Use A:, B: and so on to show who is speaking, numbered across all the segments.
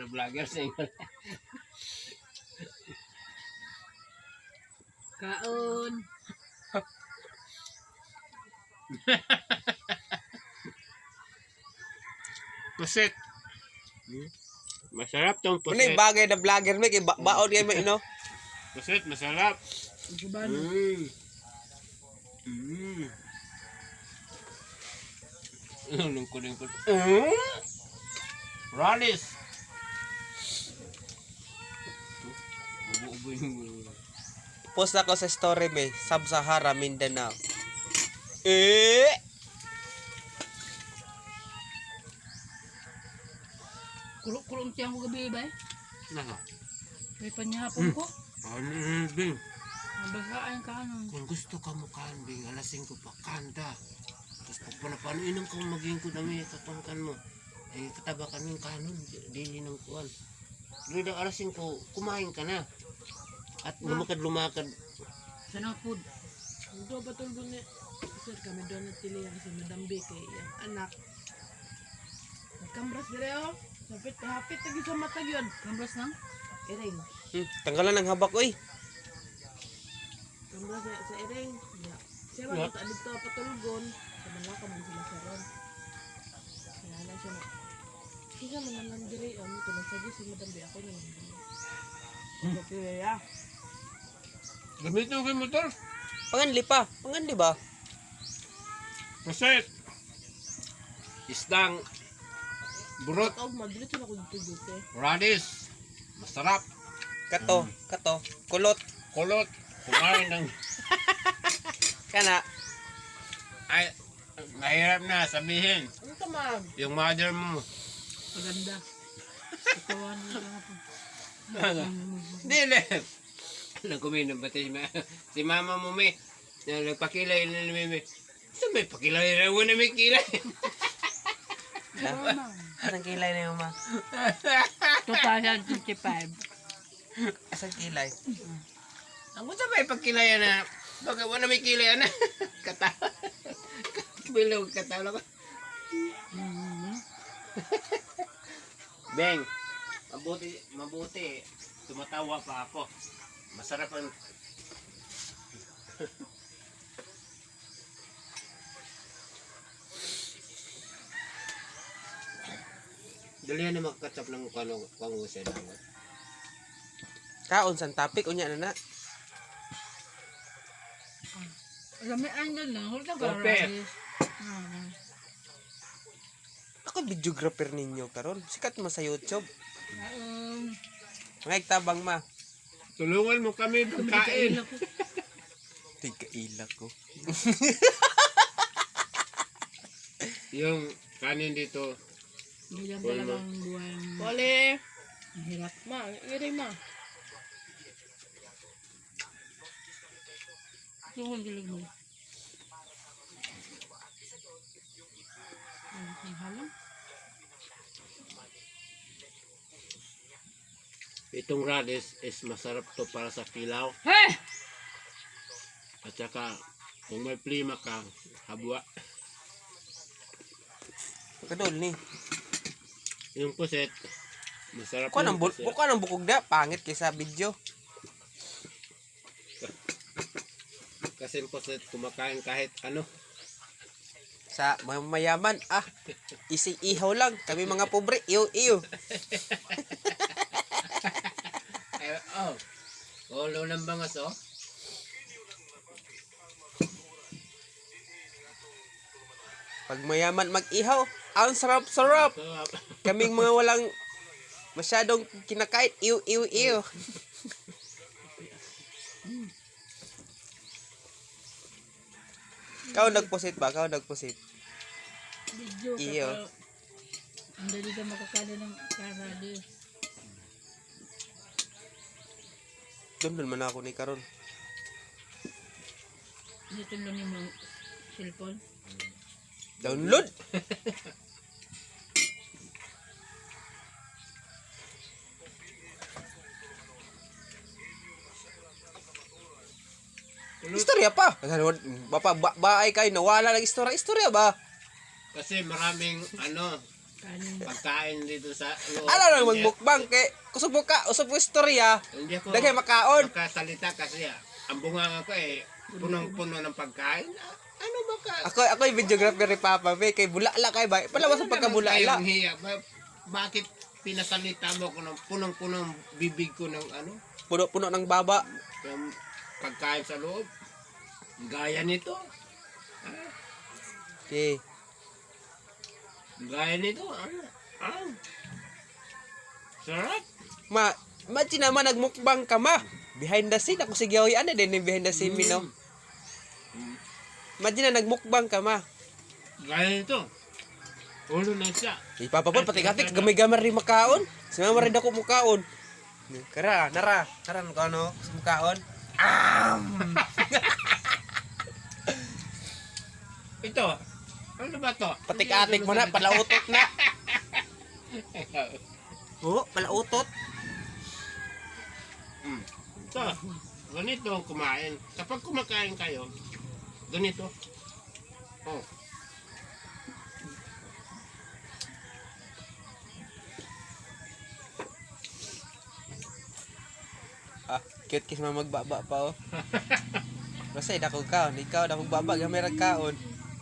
A: na vlogger sa inyo.
B: Kaon.
A: Pusit. Masarap tong
C: Ano
A: pusit.
C: yung bagay na vlogger mo, kay baon kayo mo, ino?
A: Pusit, masarap.
B: Gubano.
A: Lungkod. Ralis. Ubo yung...
C: Post ako sa story may, Sub-Sahara, Mindanao.
B: Kulong tiyang ko gabi ba?
A: Naka.
B: May panyapon ko.
A: Ano Bing?
B: Nabagaan ka ano.
A: Kung gusto ka mo kan, Bing, alasing ko pa kanda. Tapos pag panapanuinom kang maging ko dami, katangkan mo. Eh, kataba kaming kanon, dili ng kuwan. Dili daw alasing ko, kumain ka na. At lumakad.
B: Sana food.
D: Ito patulog ni sir kami doon at tilihan si Madam B kay yung anak. Nagkambras dire oh. Hapit lagi sa mata yun.
B: Kambras nang?
D: Iring.
C: Tanggalan ng habak, oy.
D: Kambras sa iring. Yeah. Siya ba kita dito patulgon. Sa malaka man sila sa ron. Kaya na siya na. Siya man lang dire oh. Ito lang sabi si Madam B ako niya. Okay ya.
A: Gamitin ko yung motor.
C: Panganli pa. Panganli ba?
A: Pusit. Isdang. Burot.
D: Ako madlit na ko dito dito.
A: Radis. Masarap.
C: Kato. Kulot.
A: Kulot. Kumain ng...
C: Kana.
A: Ay, mahirap na sabihin.
D: Ano ka ma'am?
A: Yung mother mo.
B: Maganda. Katawan mo lang ako.
A: Dili. Nagkuminom ba si mama mo may nagpakilay na may saan may pakilay na wala may kilay.
C: Asang kilay na yung ma?
B: 2025.
C: Asang kilay?
A: Ang gusto may pakilay na bakit wala may kilay na kata bilog katawa ko. Beng, mabuti tumatawa pa ako. Masarap ang dalihan na magkatap ng pangusay lang.
C: Kaon san topic unya na na.
B: Alam mo, ano lang. Hulta ka
A: Kope.
B: radis.
C: Ako videographer ninyo karon. Sikat mo sa YouTube.
B: Um,
C: Mga tabang ma.
A: Tulungan mo kami pagkain.
C: Tiga ilak ko.
A: Yung kanin dito.
B: Bilang talagang buwan.
D: Pole.
B: Mahirap.
D: Ma, iring ma.
B: Tuhon gilig mo. Ang halang.
A: Itong radis is masarap to para sa kilaw.
B: Hey!
A: At saka kung may plima ka, habwa.
C: Kadol ni.
A: Yung puset, masarap
C: Kuha
A: yung
C: ng
A: puset.
C: buka ng bukog na pangit kaysa video.
A: Kasi yung puset kumakain kahit ano.
C: Sa mga mayaman, isi ihaw lang. Kami mga pobre, iyo.
A: Ulo ng bangas oh.
C: Pag mayaman mag-ihaw, ang sarap-sarap.
A: Sarap.
C: Kaming mga walang masyadong kinakain, iyo. Kau nagpusit ba?
B: Video ka
C: Iyo.
B: pa. Ang dali ka makakala ng karadis.
C: Doon man ako ni karon.
B: Dito lang yung mga cellphone.
C: Download. Istorya pa. Baay kay nawala lang istorya ba?
A: Kasi maraming ano,
B: Kanin.
A: pagkain dito sa loob.
C: Ano lang magmukbang kay kusog mo ka, usog mo istorya.
A: Hindi ako
C: Dagay makaon.
A: makasalita kasi ang bunganga ko punong-puno ng pagkain. Ano ba ka?
C: Ako yung videographer ni Papa Be kay bulala kay ba. Palawas sa pagkabulala.
A: Kayong hiya. Bakit pinasalita mo ko ng punong-punong bibig ko ng ano?
C: Puno-puno ng baba.
A: Yung pagkain sa loob. Gaya nito.
C: Okay.
A: Gaya nito. Sarap.
C: Imagine naman nagmukbang ka ma. Behind the scene ako si Gioy ano din yung behind the scene no. Imagine na nagmukbang ka ma.
A: Gaya nito. Ulo na siya.
C: Ipapapon pati kati gamay-gamay rin makaon. Sumama rin ako mukaon. Kara, nara ko ano, mukaon.
A: Ito. Ano ba to?
C: Patik-atik mo na, palautot na. Oo, palautot.
A: Ito. Ganito ang kumain. Kapag kumakain kayo, ganito. Oh.
C: Ah, cute kiss mo magbaba pa oh. Basta dako kaon, ikaw dako baba gamay ra kaon.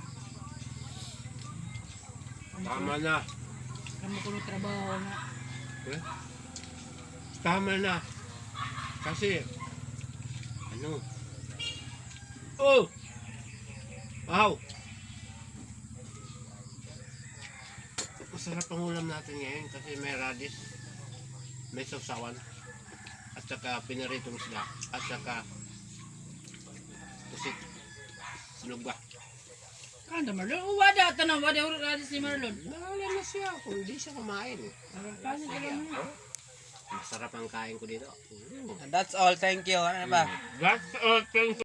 A: Tama na.
B: Kamu kuno trabaho nga.
A: Eh? Tama na. Kasi, ano? Oh! Wow! Masarap ang ulam natin ngayon kasi may radish, may sausawan, at saka pinaritong isda, at saka pusit, sinugba.
B: Kanda Marlon. Wada tanong. Wada urad si Marlon.
A: Wala na siya kung hindi siya kumain.
B: Kanin ka lang.
A: Masarap ang kain ko dito.
C: And that's all, thank you. Ano ba?
A: That's all, thanks.